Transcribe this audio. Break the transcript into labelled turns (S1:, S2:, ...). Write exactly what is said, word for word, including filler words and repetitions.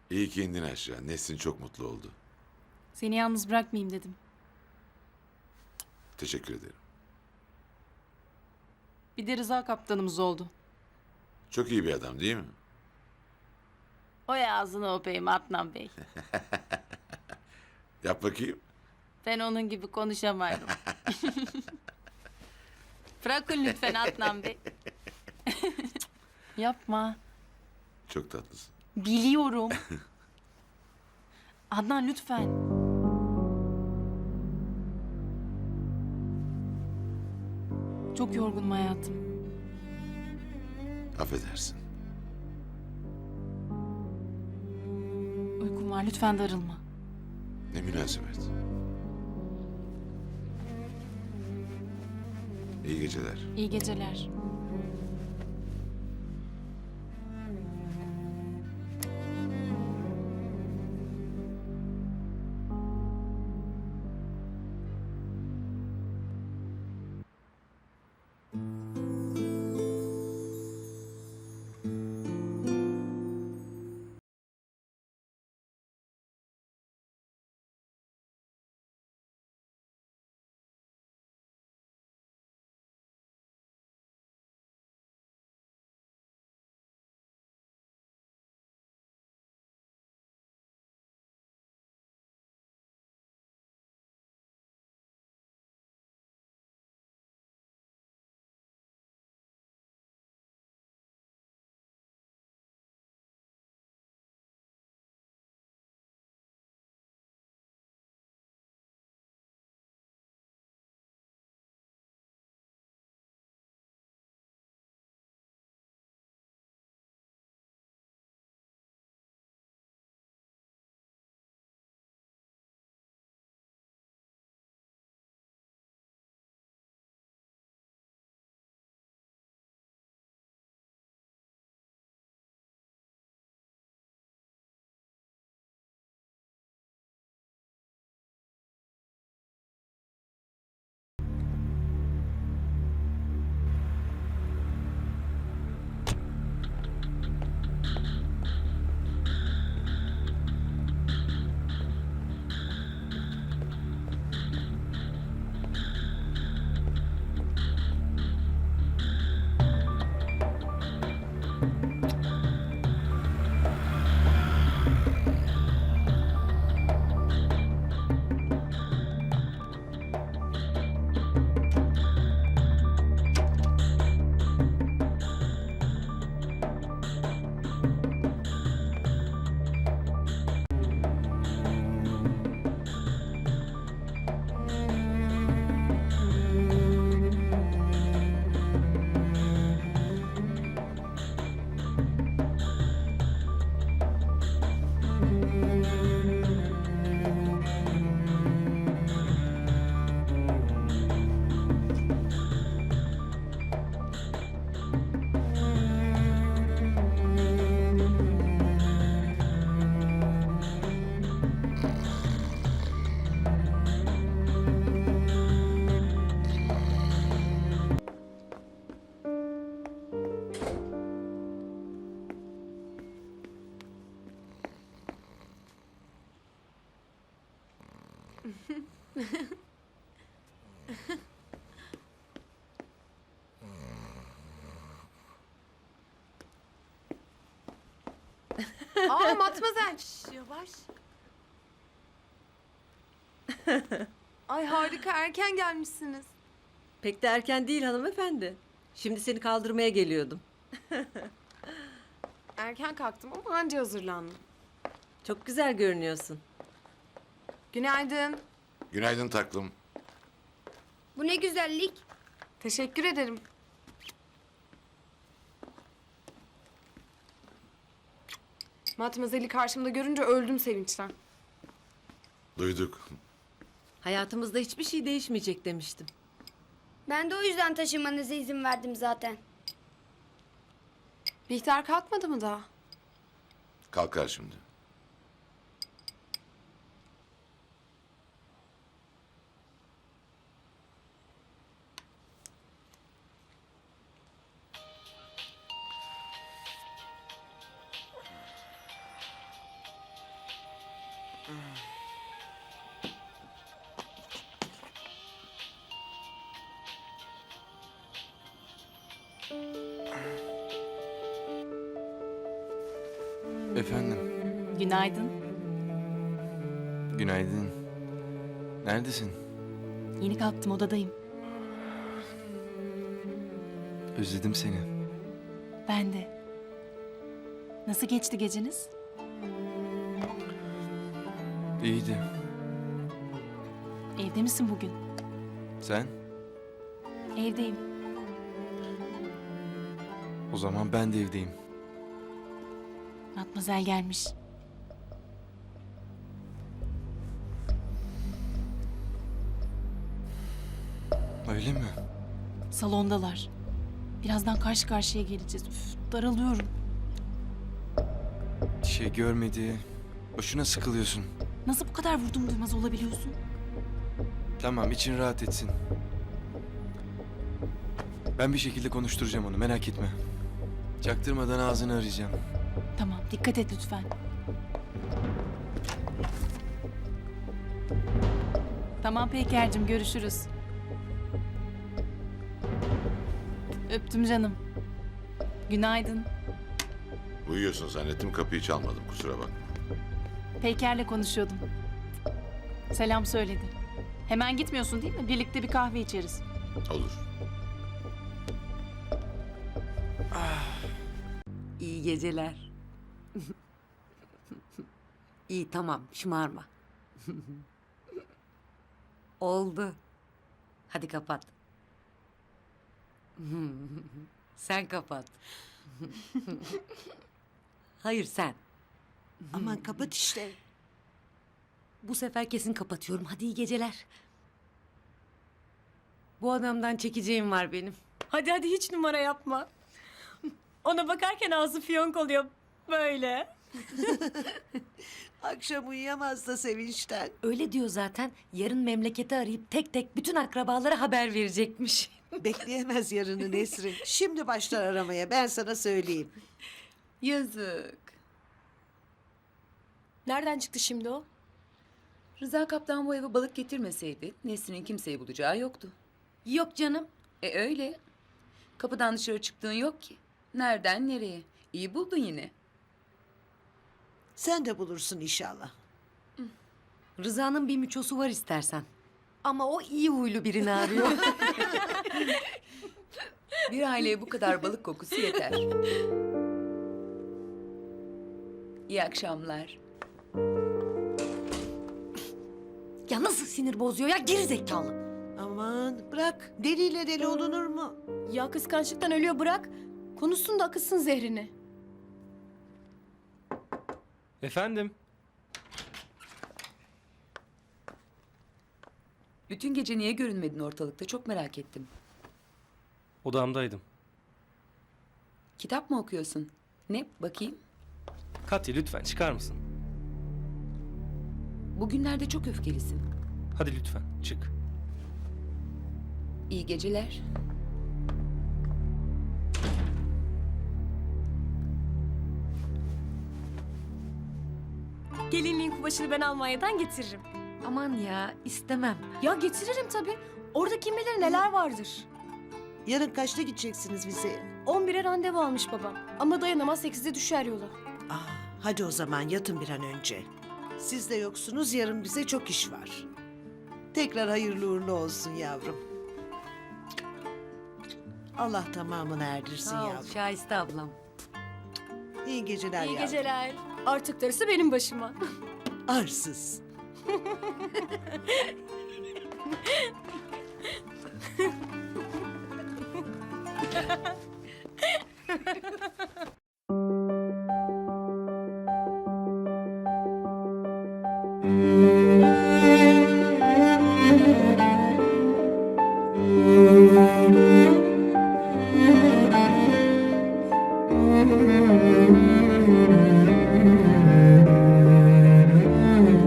S1: İyi ki indin aşağı. Nesrin çok mutlu oldu.
S2: Seni yalnız bırakmayayım dedim.
S1: Teşekkür ederim.
S2: Bir de Rıza kaptanımız oldu.
S1: Çok iyi bir adam değil mi?
S2: O ağzını öpeyim Adnan Bey.
S1: Yap bakayım.
S2: Ben onun gibi konuşamıyorum. Bırakın lütfen Adnan Bey. Yapma.
S1: Çok tatlısın.
S2: Biliyorum. Adnan lütfen. Çok yorgunum hayatım.
S1: Affedersin.
S2: Uykum var, lütfen darılma.
S1: Ne münasebet. İyi geceler.
S2: İyi geceler.
S3: Aa Matmazel. Şş, yavaş. Ay harika, erken gelmişsiniz.
S4: Pek de erken değil hanımefendi. Şimdi seni kaldırmaya geliyordum.
S3: Erken kalktım ama anca hazırlandım.
S4: Çok güzel görünüyorsun.
S3: Günaydın.
S1: Günaydın taklım.
S5: Bu ne güzellik.
S3: Teşekkür ederim. Matmazel'i karşımda görünce öldüm sevinçten.
S1: Duyduk.
S4: Hayatımızda hiçbir şey değişmeyecek demiştim.
S5: Ben de o yüzden taşınmanıza izin verdim zaten.
S3: Bihter kalkmadı mı daha?
S1: Kalkar şimdi.
S6: Efendim,
S2: Günaydın.
S6: günaydın. Neredesin?
S2: Yeni kalktım, odadayım.
S6: Özledim seni.
S2: Ben de. Nasıl geçti geceniz?
S6: İyiydi.
S2: Evde misin bugün?
S6: Sen?
S2: Evdeyim.
S6: O zaman ben de evdeyim.
S2: Matmazel gelmiş.
S6: Öyle mi?
S2: Salondalar. Birazdan karşı karşıya geleceğiz. Üf, daralıyorum.
S6: Şey görmedi. Boşuna sıkılıyorsun.
S2: Nasıl bu kadar vurdum duymaz olabiliyorsun?
S6: Tamam, için rahat etsin. Ben bir şekilde konuşturacağım onu, merak etme. Çaktırmadan ağzını arayacağım.
S2: Tamam, dikkat et lütfen. Tamam Peyker'cim, görüşürüz. Öptüm canım. Günaydın.
S1: Uyuyorsun zannettim, kapıyı çalmadım, kusura bakma.
S2: Peyker'le konuşuyordum. Selam söyledi. Hemen gitmiyorsun değil mi? Birlikte bir kahve içeriz.
S1: Olur.
S4: İyi geceler. İyi tamam şımarma. Oldu. Hadi kapat. Sen kapat. Hayır sen.
S7: Aman kapat işte.
S4: Bu sefer kesin kapatıyorum. Hadi iyi geceler. Bu adamdan çekeceğim var benim.
S8: Hadi hadi hiç numara yapma. Ona bakarken ağzı fiyonk oluyor böyle.
S7: Akşam uyuyamaz da sevinçten.
S4: Öyle diyor zaten. Yarın memleketi arayıp tek tek bütün akrabalara haber verecekmiş.
S7: Bekleyemez yarını Nesrin. Şimdi başlar aramaya, ben sana söyleyeyim.
S9: Yazık.
S8: Nereden çıktı şimdi o?
S9: Rıza Kaptan bu eve balık getirmeseydi Nesrin'in kimseyi bulacağı yoktu.
S4: Yok canım.
S9: E öyle. Kapıdan dışarı çıktığın yok ki. Nereden nereye? İyi buldun yine.
S7: Sen de bulursun inşallah.
S4: Rıza'nın bir müçosu var istersen. Ama o iyi huylu birini arıyor.
S9: Bir aileye bu kadar balık kokusu yeter. İyi akşamlar.
S4: Ya nasıl sinir bozuyor ya geri zekalı.
S7: Aman bırak, deliyle deli olunur mu?
S8: Ya kıskançlıktan ölüyor bırak. Konuşsun da akıtsın zehrini.
S10: Efendim?
S9: Bütün gece niye görünmedin ortalıkta? Çok merak ettim.
S10: Odamdaydım.
S9: Kitap mı okuyorsun? Ne? Bakayım.
S10: Katya lütfen çıkar mısın?
S9: Bugünlerde çok öfkelisin.
S10: Hadi lütfen çık.
S9: İyi geceler.
S8: Gelinliğin kumaşını ben Almanya'dan getiririm.
S4: Aman ya istemem.
S8: Ya getiririm tabii. Orada kim bilir neler vardır.
S7: Yarın kaçta gideceksiniz bize?
S8: on bire randevu almış babam. Ama dayanamaz sekizde düşer yola.
S7: Ah, hadi o zaman yatın bir an önce. Siz de yoksunuz, yarın bize çok iş var. Tekrar hayırlı uğurlu olsun yavrum. Allah tamamını erdirsin
S4: Sağ ol
S7: yavrum.
S4: Şahiste ablam.
S7: İyi geceler
S8: İyi
S7: yavrum.
S8: geceler. Artık darısı benim başıma.
S7: Arsız.